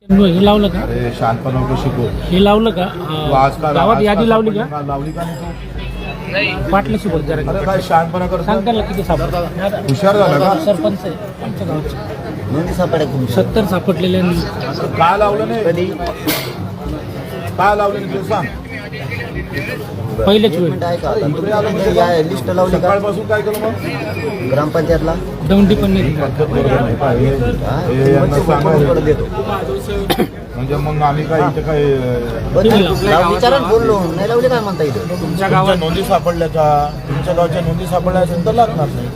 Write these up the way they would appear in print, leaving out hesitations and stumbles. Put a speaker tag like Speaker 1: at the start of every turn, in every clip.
Speaker 1: हे लावलं का?
Speaker 2: अरे शांतपणा नको शिकू.
Speaker 1: हे लावलं का?
Speaker 2: तू आज का
Speaker 1: गावात यादी लावली का?
Speaker 2: लावली का नाही तू?
Speaker 1: पाटलाशी बोल जरा.
Speaker 2: अरे काय शांतपणा करतो.
Speaker 1: सांग त्याला किती सापडलं.
Speaker 2: हुशार झाला का?
Speaker 1: सरपंच आहे आमच्या गावचे.
Speaker 3: नोंदी सापडे
Speaker 1: 70 सापडलेले आणि
Speaker 2: काय लावलं नाही
Speaker 3: कधी
Speaker 2: काय लावलं नाही तू सांग.
Speaker 1: पहिलेच वेळ
Speaker 3: मिनिट आहे का आता तुम्ही या लिस्ट लावली का
Speaker 2: सकाळपासून काय केलं मग?
Speaker 3: ग्रामपंचायतला
Speaker 1: दौंडी पण नाही.
Speaker 2: पद्धत बरोबर नाही का? हे यांना सांगायचं.
Speaker 3: देतो
Speaker 2: म्हणजे मग आम्ही काय इथे काय
Speaker 3: विचारा बोललो नाही लावली काय म्हणता इथे
Speaker 2: तुमच्या गावात नोंदी सापडल्या का? तुमच्या गावच्या नोंदी सापडल्या असेल तर लागणार नाही.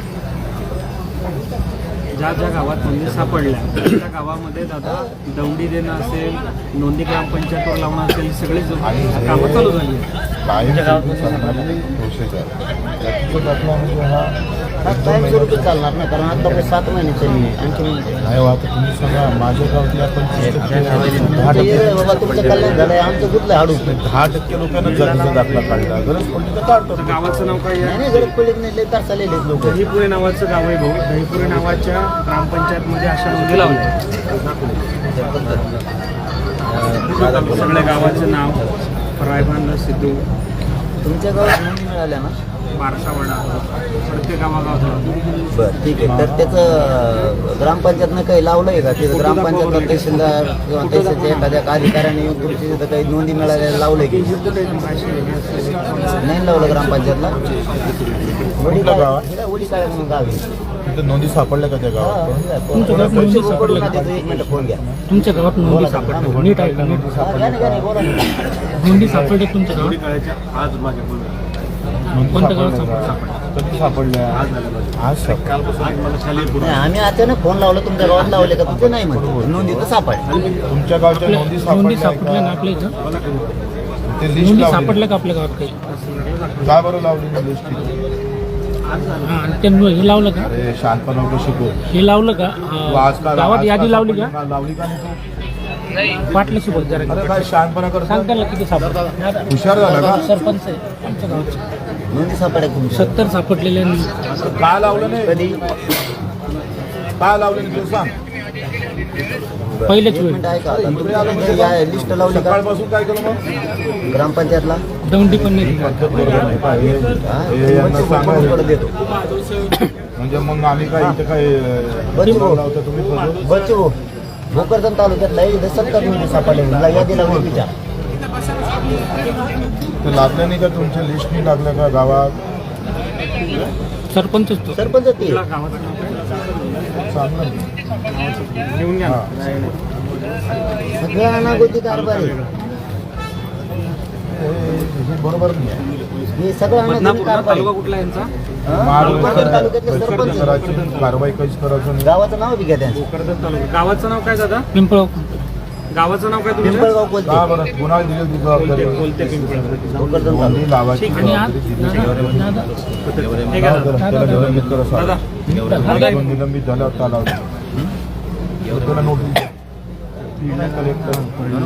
Speaker 4: ज्या ज्या गावात नोंदी सापडल्या त्या गावामध्ये दादा दौंडी देणं असेल, नोंदी ग्रामपंचायतवर लावणं असेल, सगळे कामं चालू झाली.
Speaker 2: कायम सरकारी प्रोसेस आहे. त्याचं दाखला म्हणजे हा
Speaker 3: कायम स्वरूपी चालणार ना कारण आता 7 महिन्याचे आणखी
Speaker 2: नाही हो, आता तुम्ही सांगा माझ्या गावातल्या 10%
Speaker 3: बाबा तुमचं कल्याण झालंय आमचं कुठलं हाडू
Speaker 2: 10% लोकांना जातीचा दाखला काढला. गरज पडली तर काढतो.
Speaker 4: गावाचं नाव काय आहे?
Speaker 3: नाही गरज पडली नाही लय तास आलेले लोक
Speaker 4: दहीपुरे नावाचं गाव आहे भाऊ. दहीपुरे नावाच्या ग्रामपंचायतमध्ये अशा नोंदी लावल्या. सगळ्या गावाचं नाव रायबांना सिद्धू,
Speaker 3: तुमच्या गावात नोंदी मिळाल्या ना
Speaker 4: बारसावाडा, प्रत्येक गावागावात.
Speaker 3: बरं ठीक आहे तर त्याचं ग्रामपंचायतनं काही लावलंय का तिथं ग्रामपंचायतला तहसीलदार किंवा तहसीलच्या एखाद्या अधिकाऱ्याने येऊन तुमची तिथं काही नोंदी मिळाल्या लावलंय की नाही लावलं ग्रामपंचायतला
Speaker 2: कुठलं गाव आहे?
Speaker 3: उडी काय म्हणून गाव आहे.
Speaker 2: तिथं नोंदी सापडल्या का त्या गावात?
Speaker 1: तुमच्या गावात नोंदी सापडल्या का?
Speaker 3: एक मिनिट फोन घ्या
Speaker 1: तुमच्या गावात नोंदी सापडल्या. नीट आहे का? नीट
Speaker 3: घ्या ना, बोला ना.
Speaker 1: नोंदी सापडल्या तुमच्या गावात.
Speaker 2: नोंदी
Speaker 1: कोणत्या गावात
Speaker 2: सापडल्या? कधी सापडल्या? आज सापडल्या.
Speaker 3: नाही आम्ही अचानक फोन लावला तुमच्या गावात लावले का तिथे नाही म्हणतो नोंदी तर सापड
Speaker 2: तुमच्या गावच्या नोंदी
Speaker 1: नोंदी
Speaker 2: सापडल्या
Speaker 1: सापडल्या ना
Speaker 2: का?
Speaker 1: आपल्या इथं.
Speaker 2: ते लिस्ट
Speaker 1: नोंदी
Speaker 2: लावली
Speaker 1: सापडल्या का आपल्या गावात काही?
Speaker 2: का बरं लावली लिस्ट?
Speaker 1: हा आणि ते हे लावलं का?
Speaker 2: अरे शांतपणा नको शिकू.
Speaker 1: हे लावलं का?
Speaker 2: तू आज का
Speaker 1: गावात यादी लावली का?
Speaker 2: लावली का नाही तू?
Speaker 1: पाटलाशी बोल जरा.
Speaker 2: अरे काय शांतपणा करतो.
Speaker 1: सांग त्याला किती सापडलं.
Speaker 2: हुशार झाला का?
Speaker 1: सरपंच आहे आमच्या गावचे.
Speaker 3: नोंदी सापडे
Speaker 1: 70 सापडलेले आणि
Speaker 2: काय लावलं नाही
Speaker 3: कधी
Speaker 2: काय लावलं नाही तू सांग.
Speaker 1: पहिलेच
Speaker 3: एक
Speaker 1: वेळ
Speaker 3: मिनिट आहे का आता तुम्ही या लिस्ट लावली का
Speaker 2: सकाळपासून काय केलं मग?
Speaker 3: ग्रामपंचायतला
Speaker 1: दौंडी पण नाही.
Speaker 2: पद्धत बरोबर नाही का? हे यांना सांगायचं.
Speaker 3: देतो
Speaker 2: म्हणजे मग आम्ही काय इथे काय
Speaker 3: बच्चू
Speaker 2: लावतो तुम्ही बघू.
Speaker 3: बच्चू भोकरदन तालुक्यातला इथे 70 नोंदी सापडले यादी लावली विचार
Speaker 2: ते लागलं नाही का? तुमच्या लिस्ट नाही लागल्या का गावात?
Speaker 1: सरपंचच तो.
Speaker 3: सरपंच ते
Speaker 4: गावाचं नाव काय?
Speaker 2: सांग ना.
Speaker 4: घेऊन घ्या.
Speaker 3: सगळ्या अनागोती कारभार आहे
Speaker 2: हे बरोबर नाही आहे.
Speaker 3: हे सगळं अनागोती
Speaker 4: बदनापूर
Speaker 3: कारभार
Speaker 4: तालुका
Speaker 3: आहे.
Speaker 4: कुठला यांचा?
Speaker 3: भोकरदन तालुक्यातले सरपंच आहे.
Speaker 2: करायची कारवाई काहीच करायचं नाही.
Speaker 3: गावाचं नाव बी घ्या त्यांचं
Speaker 4: भोकरदन तालुका. गावाचं नाव काय दादा?
Speaker 1: पिंपळ.
Speaker 4: गावाचं नाव काय तुमचं?
Speaker 3: पिंपळगाव बोलते
Speaker 2: का बरं कुणाला दिली ती जबाबदारी?
Speaker 4: बोलते पिंपळगाव.
Speaker 3: भोकरदन तालुका
Speaker 2: नोंदी लावायची
Speaker 1: आणि आज
Speaker 2: जबाबदारी दिली.
Speaker 1: दादा
Speaker 4: ठीक आहे दादा.
Speaker 2: त्याला निलंबित करा
Speaker 4: दादा.
Speaker 2: साहेब. निलंबित झाल्यावर त्याला त्याला नोटीस द्या. कलेक्टर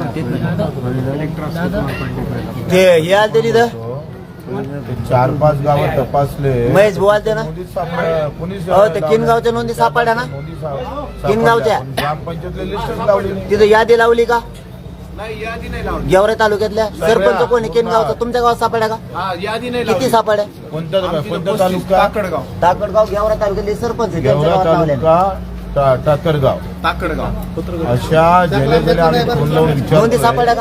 Speaker 3: ते हे आलते तिथं
Speaker 2: 4-5 गावात तपासले.
Speaker 3: महेश भाऊ आलते ना
Speaker 2: नोंदीत सापडल्या. कोणीच
Speaker 3: हो ते किनगावच्या नोंदी सापडल्या ना
Speaker 2: नोंदी सापडल्या.
Speaker 3: किनगावच्या.
Speaker 2: ग्रामपंचायतले लिस्टच लावली नाही.
Speaker 3: तिथं यादी लावली का गेवरे तालुक्यातल्या सरपंच कोणी किनगावचा तुमच्या गावात सापड्या का किती सापड्या
Speaker 2: कोणता तालुका?
Speaker 3: टाकडगाव गेवरा तालुक्यातले सरपंच आहे, त्यांच्या
Speaker 2: गेवरा
Speaker 3: गावात लावल्या
Speaker 2: तालुका टाकरगाव. अशा गेल्या आम्ही फोन लावून
Speaker 3: नोंदी
Speaker 2: विचारतोय.
Speaker 3: सापड्या का